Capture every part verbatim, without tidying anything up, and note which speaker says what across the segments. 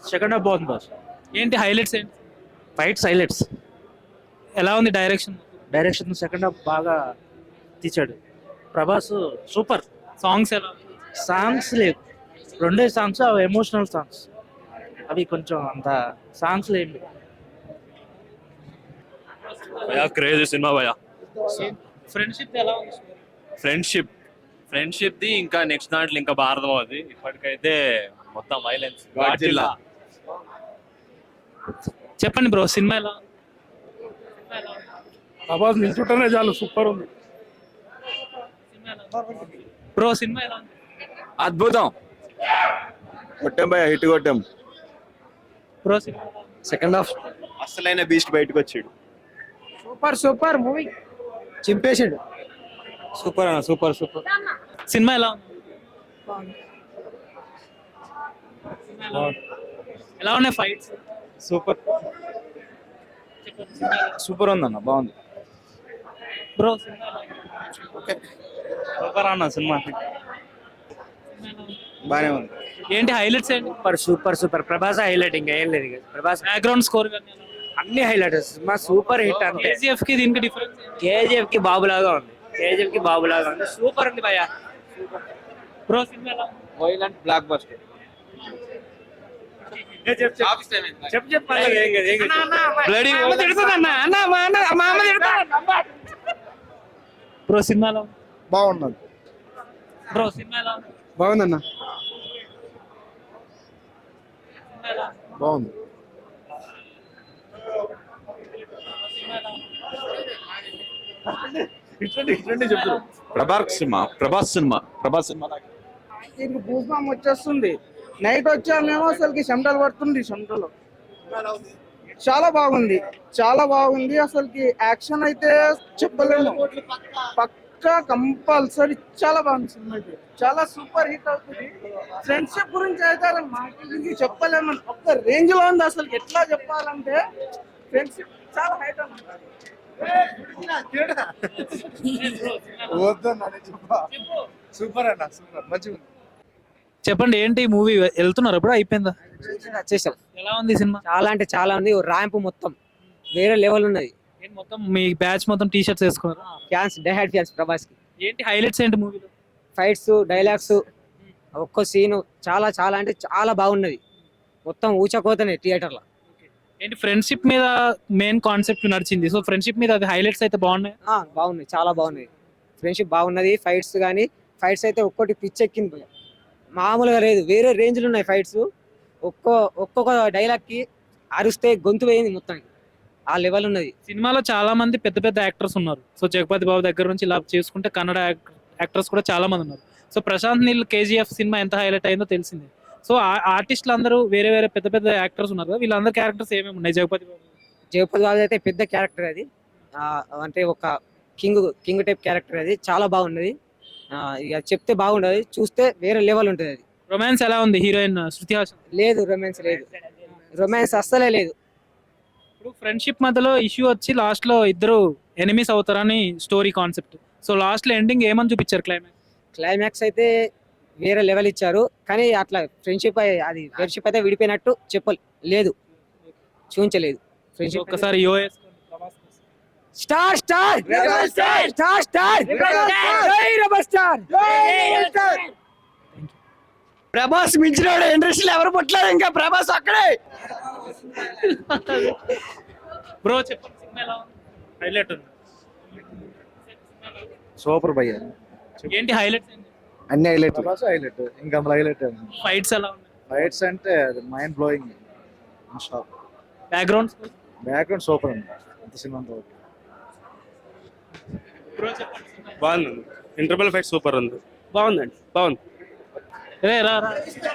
Speaker 1: Second half బాగుంది boss.
Speaker 2: ఏంటి highlights ఏంటి?
Speaker 1: Fights highlights.
Speaker 2: ఎలా ఉంది డైరెక్షన్?
Speaker 1: డైరెక్షన్ సెకండ్ హాఫ్ బాగా తీసాడు ప్రభాస్. సూపర్.
Speaker 2: సాంగ్స్ ఎలా?
Speaker 1: సాంగ్స్ లేవు, రెండే సాంగ్స్ అవి ఎమోషనల్ సాంగ్స్, అవి కొంచెం అంత సాంగ్స్ లేవు.
Speaker 3: భయా క్రేజీ సినిమా భయా.
Speaker 2: ఫ్రెండ్షిప్ ఎలా ఉంది?
Speaker 3: ఫ్రెండ్షిప్ ఫ్రెండ్షిప్ ది ఇంకా నెక్స్ట్ దాంట్లో ఇంకా భారతం అవుతుంది. ఇప్పటికైతే మొత్తం వైలెన్స్ జిల్లా.
Speaker 2: చెప్పండి బ్రో, సినిమా ఎలా?
Speaker 4: ప్రభాస్ నిల్చుంటేనే చాలు, సూపర్ ఉంది.
Speaker 2: బ్రో సినిమా ఎలా ఉంది?
Speaker 5: అద్భుతం. కొట్టాం భయ, హిట్ కొట్టాం.
Speaker 2: బ్రో సినిమా
Speaker 5: సెకండ్ హాఫ్ అసలైన బీస్ట్ బయటకు వచ్చాడు.
Speaker 4: సూపర్ సూపర్ మూవీ, చింపేసాడు.
Speaker 5: సూపర్ అన్న, సూపర్ సూపర్.
Speaker 2: సినిమా ఎలా ఉంది? ఎలా ఉన్నాయి ఫైట్స్?
Speaker 5: సూపర్ సూపర్ ఉందన్న, బాగుంది.
Speaker 2: బ్రో సినిమా ఎలా ఉంది?
Speaker 5: సూపర్ అన్న, సినిమా బానే ఉంది.
Speaker 2: ఏంటి హైలైట్స్ ఏంటి?
Speaker 1: Super super super. Prabhas highlight, ఇంకా ఏం లేదు. ఇక ప్రభాస్
Speaker 2: బ్యాక్గ్రౌండ్ స్కోర్
Speaker 1: అన్ని హైలైట్. సినిమా సూపర్ హిట్ అంతే.
Speaker 2: కేజీఎఫ్ కి దీనికి డిఫరెన్స్?
Speaker 1: కేజీఎఫ్ కి బాబులాగా ఉంది, కేజీఎఫ్ కి బాబులాగా ఉంది. సూపర్ ఉంది భయ్యా.
Speaker 2: బ్రో సినిమా ఎలా ఉంది?
Speaker 5: Violent blockbuster.
Speaker 2: Bro cinema ఎలా ఉంది?
Speaker 4: బాగున్నది.
Speaker 2: బ్రో సినిమా ఎలా ఉంది?
Speaker 4: బాగుందన్న,
Speaker 2: సినిమా ఎలా ఉంది?
Speaker 4: బాగుంది.
Speaker 5: Prabhas cinema, Prabhas cinema, Prabhas cinema.
Speaker 4: దీనికి భూస్వామి వచ్చేస్తుంది. నైట్ వచ్చామేమో అసలుకి చెమటలు పడుతుంది. చెమటలు చాలా బాగుంది, చాలా బాగుంది. అసలుకి యాక్షన్ అయితే చెప్పలేము, పక్కా కంపల్సరీ. చాలా బాగుంది సినిమా అయితే, చాలా సూపర్ హిట్ అవుతుంది. ఫ్రెండ్షిప్ గురించి అయితే మాకు చెప్పలేము, ఒక్క రేంజ్ లో ఉంది. అసలు ఎట్లా చెప్పాలంటే ఫ్రెండ్షిప్ చాలా హైట్ అన్నమాట. సూపర్ అన్న, సూపర్, మంచిగా.
Speaker 2: చెప్పండి, ఏంటి మూవీ వెళ్తున్నారు ఇప్పుడు? అయిపోయిందా?
Speaker 6: వచ్చేసాం.
Speaker 2: ఎలా ఉంది సినిమా?
Speaker 6: చాలా అంటే చాలా ఉంది. ర్యాంప్ మొత్తం వేరే లెవెల్ ఉన్నది.
Speaker 2: ఏంటి మొత్తం మీ బ్యాచ్ మొత్తం టీ షర్ట్స్ వేసుకున్నారు?
Speaker 6: Fans, die hard fans Prabhas కి.
Speaker 2: ఏంటి హైలైట్స్ ఏంటి మూవీలో?
Speaker 6: ఫైట్స్, డైలాగ్స్, ఒక్కో సీన్ చాలా చాలా అంటే చాలా బాగున్నది. మొత్తం ఊచకోతనే థియేటర్ లో.
Speaker 2: ఏంటి ఫ్రెండ్షిప్ మీద మెయిన్ కాన్సెప్ట్ నడిచింది, సో ఫ్రెండ్షిప్ మీద అది హైలైట్స్ అయితే బాగున్నాయి.
Speaker 6: బాగున్నాయి, చాలా బాగున్నాయి. ఫ్రెండ్షిప్ బాగున్నది. ఫైట్స్ కానీ ఫైట్స్ అయితే ఒక్కోటి పిచ్చెక్కింది, మామూలుగా లేదు. వేరే రేంజ్లు ఉన్నాయి ఫైట్స్. ఒక్కో ఒక్కొక్క డైలాగ్ కి అరిస్తే గొంతు వేయింది మొత్తం, ఆ లెవెల్ ఉన్నది.
Speaker 2: సినిమాలో చాలా మంది పెద్ద పెద్ద యాక్టర్స్ ఉన్నారు. సో జగపతి బాబు దగ్గర నుంచి ఇలా చేసుకుంటే కన్నడ యాక్టర్స్ కూడా చాలా మంది ఉన్నారు. సో ప్రశాంత్ నీల్ కేజీఎఫ్ సినిమా ఎంత హైలైట్ అయిందో తెలిసిందే. సో ఆర్టిస్టులు అందరూ వేరే వేరే పెద్ద పెద్ద యాక్టర్స్ ఉన్నారు కదా, వీళ్ళందరూ క్యారెక్టర్స్ ఏమేమి ఉన్నాయి? జగపతి బాబు
Speaker 6: జగపతి బాబు అయితే పెద్ద క్యారెక్టర్ అది, అంటే ఒక కింగ్ కింగ్ టైప్ క్యారెక్టర్ అది. చాలా బాగున్నది. ఇక చెప్తే బాగుండదు, చూస్తే వేరే లెవెల్ ఉంటుంది అది.
Speaker 2: రొమాన్స్ ఎలా ఉంది? హీరోయిన్ శృతి హాసన్
Speaker 6: లేదు, రొమాన్స్ లేదు, రొమాన్స్ అస్సలే లేదు.
Speaker 2: ఇప్పుడు ఫ్రెండ్షిప్ మధ్యలో ఇష్యూ వచ్చి లాస్ట్ లో ఇద్దరు ఎనిమీస్ అవుతారని స్టోరీ కాన్సెప్ట్. సో లాస్ట్ లో ఎండింగ్ ఏమని చూపించారు? క్లైమాక్స్
Speaker 6: క్లైమాక్స్ అయితే వేరే లెవెల్ ఇచ్చారు, కానీ అట్లా ఫ్రెండ్షిప్ అది ఫ్రెండ్షిప్ అయితే విడిపోయినట్టు చెప్పలేదు, చూపించలేదు. ఫ్రెండ్షిప్
Speaker 2: ఒక్కసారి యోఎస్
Speaker 6: star star star star star జై రెబల్ స్టార్. ప్రభాస్ మించినాడు ఇండస్ట్రీలో ఎవరు పుట్టలేదు, ఇంకా ప్రభాస్ అక్కడే.
Speaker 2: బ్రో చెప్పండి, సినిమా ఎలా ఉంది? హైలైట్ ఉంది.
Speaker 4: సూపర్ భయ్య.
Speaker 2: ఏంటి హైలైట్స్?
Speaker 4: అన్ని హైలైట్, ప్రభాస్ హైలైట్, ఇంకా హైలైట్.
Speaker 2: ఫైట్స్ ఎలా ఉన్నాయి?
Speaker 4: ఫైట్స్ అంటే mind blowing.
Speaker 2: Background
Speaker 4: background super ఉంది. అంత సినిమా అంతా ఓకే.
Speaker 2: బ్రో చెప్పండి.
Speaker 3: బాగుంది. ఇంటర్వెల్ ఫైట్ సూపర్ ఉంది. బాగుందండి, బాగుంది.
Speaker 2: రే రా రా.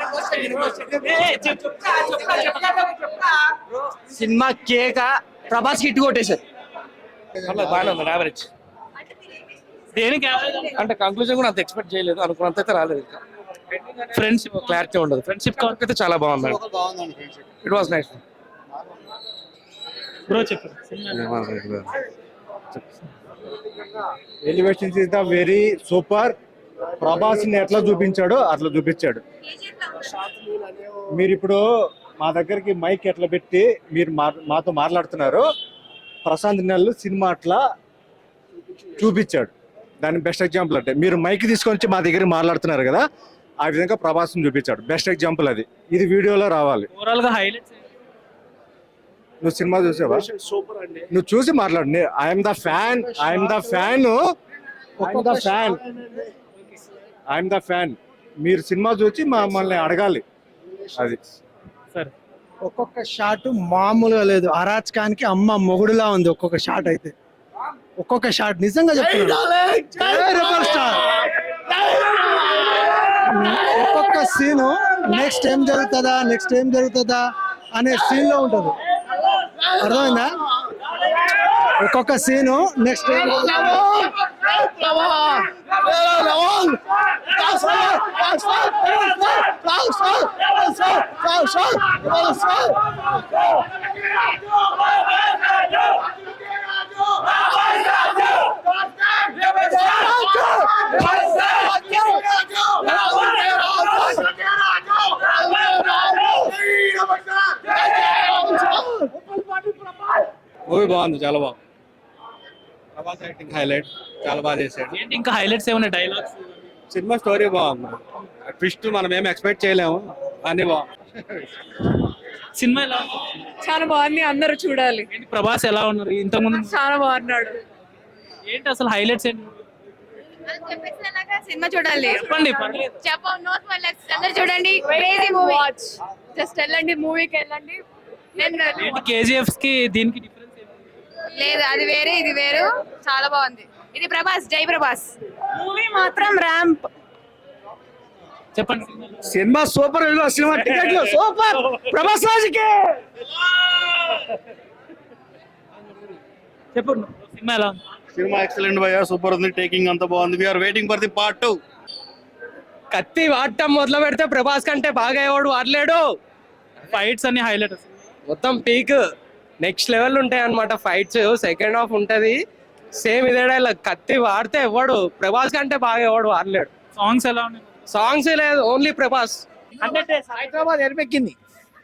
Speaker 6: సినిమా కేక, ప్రభాస్ హిట్ కొట్టేశారు.
Speaker 3: బాగానే ఉంది, యావరేజ్.
Speaker 2: దేనికి
Speaker 3: అంటే కంక్లూజన్ కూడా అంత ఎక్స్పెక్ట్ చేయలేదు, అనుకున్నంత అయితే రాలేదు. ఇంకా
Speaker 2: ఫ్రెండ్షిప్
Speaker 3: క్లారిటీ ఉండదు. ఫ్రెండ్షిప్ కాన్సెప్ట్ అయితే చాలా బాగుంది. It was nice.
Speaker 2: బ్రో చెప్పండి.
Speaker 4: Elevations is the very super. Prabhas ని ఎట్లా చూపించాడో అట్లా చూపించాడు. మీరు ఇప్పుడు
Speaker 7: మా దగ్గరికి మైక్ ఎట్లా పెట్టి మీరు మా- మాతో మాట్లాడుతున్నారు, ప్రశాంత్ నెల్లు సినిమా అట్లా చూపించాడు. దాని బెస్ట్ ఎగ్జాంపుల్ అంటే మీరు మైక్ తీసుకొని వచ్చి మా దగ్గర మాట్లాడుతున్నారు కదా, ఆ విధంగా ప్రభాస్ని చూపించాడు. బెస్ట్ ఎగ్జాంపుల్ అది. ఇది వీడియోలో రావాలి.
Speaker 2: ఓవరాల్ గా హైలైట్స్
Speaker 7: నువ్వు సినిమా చూసావా? నువ్వు చూసి మాట్లాడు. I'm the fan, I'm the fan, I'm the fan, I'm the fan. మీరు సినిమా చూసి మమ్మల్ని అడగాలి. అది
Speaker 2: సరే.
Speaker 8: ఒక్కొక్క షాట్ మామూలుగా లేదు, అరాచకానికి అమ్మ మొగుడులా ఉంది ఒక్కొక్క షాట్ అయితే. ఒక్కొక్క షాట్ నిజంగా చెప్తున్నాను. Rebel star. ఒక్కొక్క సీను నెక్స్ట్ ఏం జరుగుతుందా నెక్స్ట్ ఏం జరుగుతుందా అనే సీన్ లో ఉంటది. అర్థమైందా? ఒక్కొక్క సీను నెక్స్ట్ ఏం
Speaker 9: మూవీ బాగుంది, చాలా బాగుంది. ప్రభాస్ యాక్టింగ్ హైలైట్, చాలా బాగా చేశాడు.
Speaker 2: ఏంటి ఇంకా హైలైట్స్ ఏమైనా డైలాగ్స్?
Speaker 9: సినిమా స్టోరీ బాగుంది. ట్విస్ట్ మనం ఏం ఎక్స్పెక్ట్ చేయలేము, అన్ని బాగుంది.
Speaker 2: సినిమా ఎలా ఉంది?
Speaker 10: చాలా బాగుంది, అందరూ చూడాలి.
Speaker 2: ఏంటి ప్రభాస్ ఎలా ఉన్నారు ఇంతకుముందు?
Speaker 10: చాలా బాగున్నాడు.
Speaker 2: ఏంటి అసలు హైలైట్స్ ఏంటి?
Speaker 10: సినిమా చూడాలి.
Speaker 2: చెప్పండి, పర్లేదు.
Speaker 10: అందరూ చూడండి. Crazy movie. జస్ట్ వెళ్ళండి, మూవీకి వెళ్ళండి.
Speaker 2: ఏంటి కేజీఎఫ్ కి దీనికి డిఫరెన్స్ ఏంటి?
Speaker 10: లేదు, అది వేరే ఇది వేరు. చాలా బాగుంది. ఇది ప్రభాస్, జై ప్రభాస్. మూవీ మాత్రం ర్యాంప్.
Speaker 2: చెప్పండి.
Speaker 8: Cinema super. సినిమా టికెట్లు సూపర్. ప్రభాస్ రాజుకే.
Speaker 2: చెప్పండి, సినిమా ఎలా ఉంది?
Speaker 9: సినిమా ఎక్సలెంట్ భయ్యా, సూపర్ ఉంది. టేకింగ్ అంతా బాగుంది. We're waiting for the part two.
Speaker 6: కత్తి వాడటం మొదలు పెడితే ప్రభాస్ కంటే బాగా ఎవడు వాడలేడు.
Speaker 2: ఫైట్స్ అన్ని హైలైట్.
Speaker 6: మొత్తం పీక్ నెక్స్ట్ లెవెల్ ఉంటాయి అన్నమాట. ఫైట్స్ సెకండ్ హాఫ్ ఉంటది. సేమ్ ఇదే డైలాగ్. కత్తి వాడితే ఎవడు ప్రభాస్ కంటే బాగా ఎవడు వాడలేడు.
Speaker 2: సాంగ్స్ ఎలా ఉన్నాయి?
Speaker 6: సాంగ్స్ లేదు, ఓన్లీ ప్రభాస్.
Speaker 8: హైదరాబాద్ ఎరిపెక్కింది.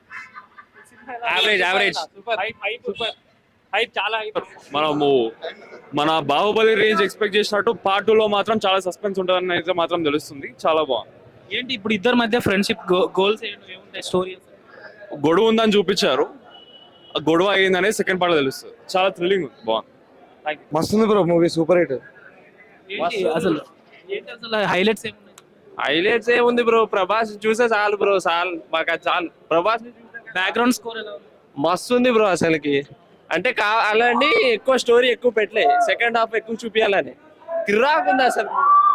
Speaker 3: యావరేజ్ యావరేజ్
Speaker 2: హైప్ చాలా హైప్.
Speaker 3: మనము మన బాహుబలి రేంజ్ ఎక్స్పెక్ట్ చేసినట్టు పార్ట్ టూ లో మాత్రం చాలా సస్పెన్స్ ఉంటుందని అయితే మాత్రం తెలుస్తుంది. చాలా బాగుంది.
Speaker 2: ఏంటి ఇప్పుడు ఇద్దరి మధ్య ఫ్రెండ్షిప్ గోల్స్ ఏముంటాయి? స్టోరీ
Speaker 3: గొడవ ఉందని చూపించారు. ఆ గొడవ అయ్యిందనే సెకండ్ పార్ట్ తెలుస్తుంది. చాలా థ్రిల్లింగ్ ఉంది, బాగుంది.
Speaker 7: మస్తుంది బ్రో మూవీ, సూపర్ హిట్.
Speaker 2: ఏంటి అసలు ఏంటి అసలు హైలైట్స్ ఏమున్నాయి?
Speaker 3: హైలైట్స్ ఏముంది బ్రో, ప్రభాస్ చూసే చాలు బ్రో, చాలు మాకు అది చాలు. ప్రభాస్
Speaker 2: బ్యాక్గ్రౌండ్ స్కోర్ ఎలా ఉంది?
Speaker 6: మస్తు ఉంది బ్రో. అసలుకి అంటే కావాలండి ఎక్కువ స్టోరీ ఎక్కువ పెట్టలే, సెకండ్ హాఫ్ ఎక్కువ చూపించాలని కిరాకుంది అసలు.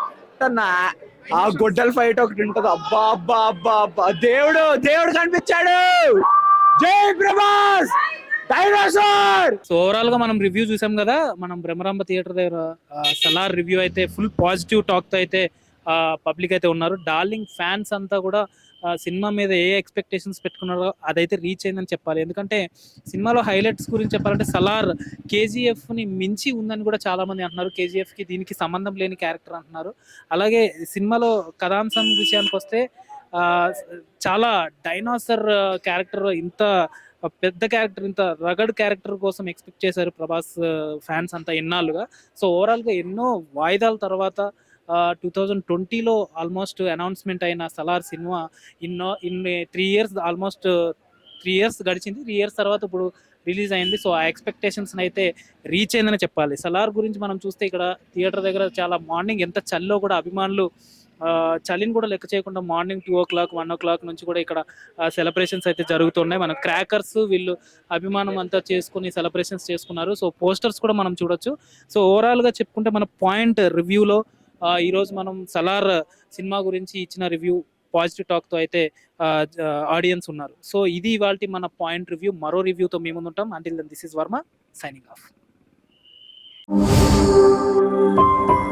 Speaker 6: ఆ గొడ్డల ఫైట్ ఒకటి ఉంటది. అబ్బా అబ్బా అబ్బా అబ్బా, దేవుడు దేవుడు కనిపించాడు. జై ప్రభాస్ డైనోసార్.
Speaker 2: సో ఓవరాల్ గా మనం రివ్యూ చూసాం కదా, మనం బ్రహ్మరాంబ థియేటర్ దగ్గర సలార్ రివ్యూ అయితే ఫుల్ పాజిటివ్ టాక్ తో అయితే పబ్లిక్ అయితే ఉన్నారు. డార్లింగ్ ఫ్యాన్స్ అంతా కూడా సినిమా మీద ఏ ఎక్స్పెక్టేషన్స్ పెట్టుకున్నారో అదైతే రీచ్ అయిందని చెప్పాలి. ఎందుకంటే సినిమాలో హైలైట్స్ గురించి చెప్పాలంటే సలార్ కేజీఎఫ్ ని మించి ఉందని కూడా చాలా మంది అంటున్నారు. కేజీఎఫ్ కి దీనికి సంబంధం లేని క్యారెక్టర్ అంటున్నారు. అలాగే సినిమాలో కథాంశం విషయానికి వస్తే ఆ చాలా డైనోసర్ క్యారెక్టర్, ఇంత పెద్ద క్యారెక్టర్, ఇంత రగడ్ క్యారెక్టర్ కోసం ఎక్స్పెక్ట్ చేశారు ప్రభాస్ ఫ్యాన్స్ అంతా ఎన్నాళ్ళుగా. సో ఓవరాల్ గా ఎన్నో వాయిదాల తర్వాత టూ థౌజండ్ ట్వంటీలో ఆల్మోస్ట్ అనౌన్స్మెంట్ అయిన సలార్ సినిమా ఇన్నో ఇన్ని three years almost three years గడిచింది. త్రీ ఇయర్స్ తర్వాత ఇప్పుడు రిలీజ్ అయింది. సో ఆ ఎక్స్పెక్టేషన్స్ అయితే రీచ్ అయిందని చెప్పాలి. సలార్ గురించి మనం చూస్తే ఇక్కడ థియేటర్ దగ్గర చాలా మార్నింగ్ ఎంత చల్లో కూడా అభిమానులు చలిని కూడా లెక్క చేయకుండా morning two o'clock one o'clock నుంచి కూడా ఇక్కడ సెలబ్రేషన్స్ అయితే జరుగుతున్నాయి. మన క్రాకర్స్ వీళ్ళు అభిమానం అంతా చేసుకుని సెలబ్రేషన్స్ చేసుకున్నారు. సో పోస్టర్స్ కూడా మనం చూడొచ్చు. సో ఓవరాల్గా చెప్పుకుంటే మన పాయింట్ రివ్యూలో ఈరోజు మనం సలార్ సినిమా గురించి ఇచ్చిన రివ్యూ పాజిటివ్ టాక్తో అయితే ఆడియన్స్ ఉన్నారు. సో ఇది ఇవాల్టి మన పాయింట్ రివ్యూ. మరో రివ్యూతో మేము ఉంటాం. Until then this is Varma signing of.